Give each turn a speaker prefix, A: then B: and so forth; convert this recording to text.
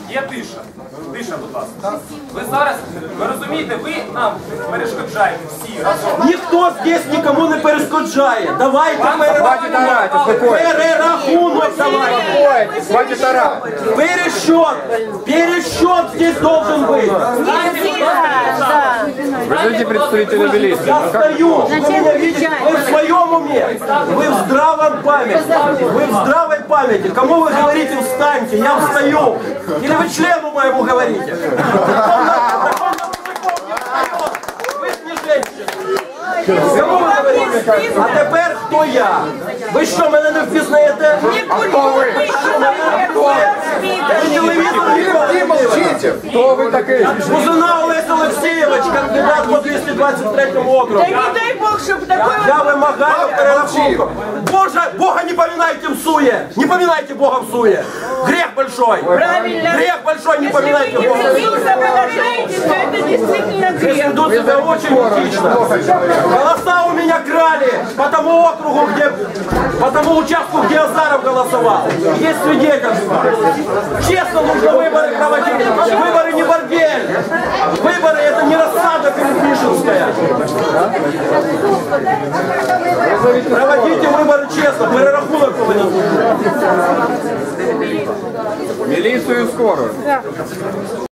A: Є тиша. Тиша, будь ласка. Ви зараз, ви розумієте, ви нам перешкоджаєте всі разом.
B: Ніхто здесь нікому не перешкоджає. Давайте перерахунок давайте.
C: Хватит орать.
B: Пересчет здесь должен быть.
C: Вы знаете представителя милиции?
B: Я стою, вы меня видите, вы в своем уме, вы в здравом памяти, вы в здравой памяти. Кому вы говорите встаньте, я встаю. Или вы члену моему говорите. Вы ж не женщина. Кому ви говорите? А тепер хто я? Ви що, мене не впізнаєте? Ви телевізор ніколи не
C: Молчите. Кто вы такие?
B: Бузина Олесь Олексійович, кандидат по 223 округу.
D: Да не дай Бог, чтобы такое...
B: Я вимагаю перерахунку. Бога не поминайте в суе. Не поминайте Бога в суе. Грех большой.
D: Правильно.
B: Грех большой, не поминайте
D: Если вы
B: Бога.
D: не соображаете, то это действительно грех.
B: Ведут себя очень этично. Голоса у меня крали по тому округу, по тому участку, где Азаров голосовал. Есть свидетельства. Честно нужно выборы проводить. Выборы не бордель. Выборы это не рассада Перепишинская. Проводите выборы честно. Перерахунок повинен.
C: Милицию и скорую.